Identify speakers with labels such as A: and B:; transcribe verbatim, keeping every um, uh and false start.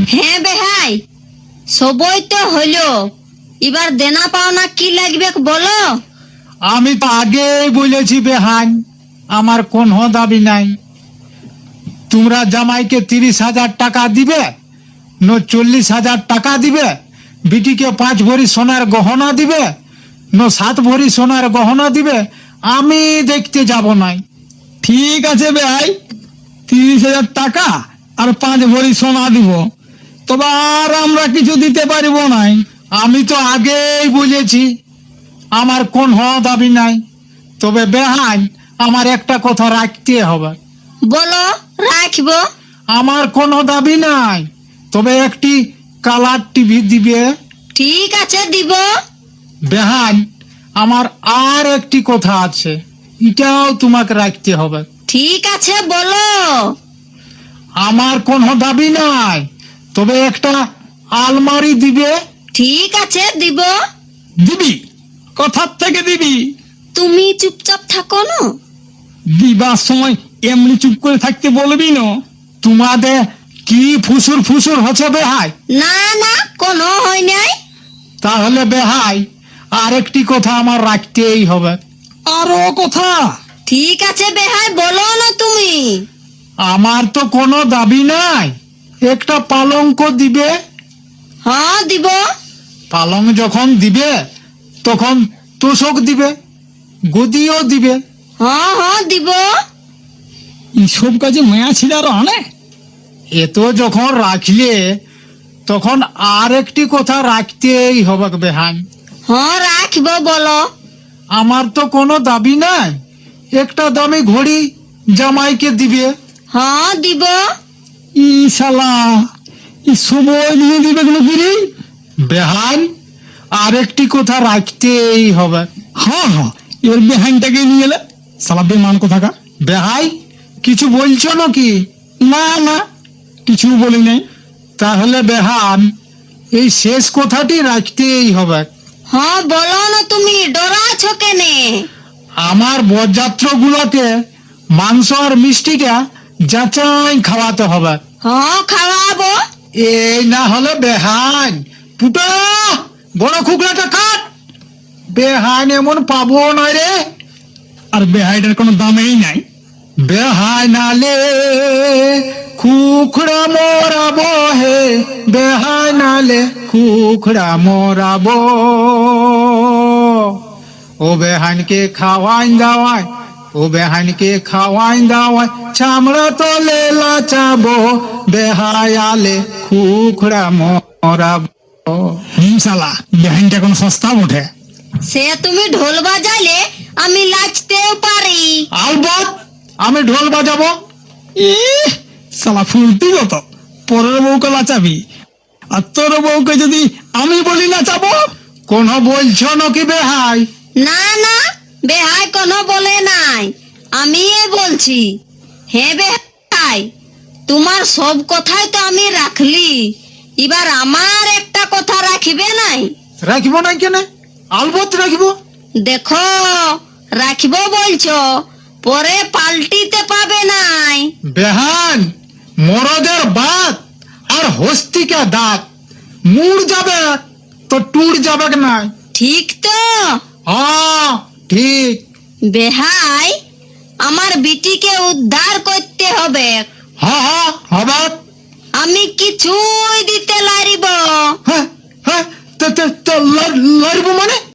A: হ্যাঁ বেহাই, সবই তো হইলো, এবার দেনা পাওনা কি লাগবে বলো।
B: আমি তো আগেই বলেছি বেহাই, আমার কোনো দাবি নাই। তোমরা জামাইকে তিরিশ হাজার টাকা দিবে, ন চল্লিশ হাজার টাকা দিবে, বিটিকে পাঁচ ভরি সোনার গহনা দিবে, ন সাত ভরি সোনার গহনা দিবে, আমি দেখতে যাব নাই।
C: ঠিক আছে ভাই, তিরিশ হাজার টাকা আর পাঁচ ভরি সোনা দিব, তবে আর আমরা কিছু দিতে পারিব নাই।
B: আমি তো আগেই বলেছি আমার কোনো দাবি নাই, তবে বেহাই আমার একটা কথা রাখতে হবে।
A: বলো, রাখবো।
B: আমার কোনো দাবি নাই, তবে একটি কালার টিভি দিবে।
A: ঠিক আছে, দিব।
B: বেহাই আমার আর একটি কথা আছে, এটাও তোমাকে রাখতে হবে।
A: ঠিক আছে, বলো।
B: আমার কোনো দাবি নাই, তবে একটা আলমারি দিবে।
A: ঠিক আছে, দিব।
C: দিবি? কথার থেকে দিবি?
A: তুমি চুপচাপ থাকো না।
C: দিবার সময় এমনি চুপ করে থাকতে বলবি না।
B: তোমাদের কি ফুসুর ফুসুর হচ্ছে বেহাই?
A: না না, কোনো হয় নাই।
B: তাহলে বেহাই আর একটি কথা আমার রাখতেই হবে।
C: আরো কথা?
A: ঠিক আছে বেহাই, বলো না তুমি।
B: আমার তো কোনো দাবি নাই, একটা পালঙ্ক দিবে।
A: হ্যাঁ, দিব।
B: পালং যখন দিবে তখন তোষক দিবে, গদিও দিবে।
A: হ্যাঁ হ্যাঁ, দিব।
C: এইসব কাজে মায়া ছিল আর অনেক।
B: এত যখন রাখলে তখন আর একটি কথা রাখতেই হবে বেহাই।
A: হ্যাঁ, রাখবো, বলো।
B: আমার তো কোনো দাবি নাই, একটা দামি ঘড়ি জামাইকে দিবে।
A: হ্যাঁ, দিব।
C: ই শালা, ই সময় নিয়ে দিবে কোনো ফিরি।
B: বেহাই আর একটি কথা রাখতেই হবে।
C: হ্যাঁ হ্যাঁ, এবার বেহাইনটাকে নিয়ে এলে, শালা বেমান কোথাকার।
B: বেহাই কিছু বলছো নাকি?
C: না না, কিছু বলি নাই।
B: তাহলে বেহান এই শেষ কথাটি রাখতেই হবে।
A: হ্যাঁ, বলো না তুমি, ডরাছো কেনে?
B: আমার বরযাত্র গুলোকে মাংস আর মিষ্টিটা যাচাই খাওয়াতে হবে।
A: হ্যাঁ, খাওয়াবো।
B: এই না হলে বেহান পুটা বড় খুকলাটা কাট। বেহান এমন পাবো না রে।
C: আর বেহাইটার কোনো দামেই নাই।
B: বেহাই নালে খুখড়া মোরাবো হে, বেহাই নালে খুখড়া মোরাবো। ও বেহানকে খাওয়াই দাওয়াই, ও বেহানকে খাওয়াই দাওয়াই, চামড়া তলে লাচাবো, বেহাই আলে খুখড়া মোরাবো।
C: হুম শালা, বেহাইনটা কোনো সস্তা ওঠে।
A: সে তুমি ঢোল বাজাইলে আমি নাচতেও পারি।
B: আলবত আমি ঢোল বাজাবো।
C: ইহ, শালা ফুলতি কত, পরের বউকে লাচাবি, আর তোর বউকে যদি আমি বলি নাচাবো।
B: কোন বলছো নাকি বেহাই?
A: না না, বেহাই কোনো বলে নাই, আমি বলছি। হ্যাঁ বেহাই, তোমার সব কথাই তো আমি রাখলি, এবার আমার একটা কথা রাখিবে নাই?
B: রাখিব না কেন? আলবত রাখিব।
A: দেখো, রাখিব বলছো, পরে পাল্টিতে পাবে নাই।
B: বেহান মরদের বাত আর হস্তিকা দাঁত, মুড় যাবে তো টুর যাবে না।
A: ঠিক তো?
B: হ্যাঁ ঠিক।
A: বেহাই, আমার বিটিকে উদ্ধার করতে হবে।
B: হ্যাঁ হ্যাঁ হবে।
A: আমি কিছুই দিতে লারিব।
B: হ্যাঁ হ্যাঁ, লড়বো মানে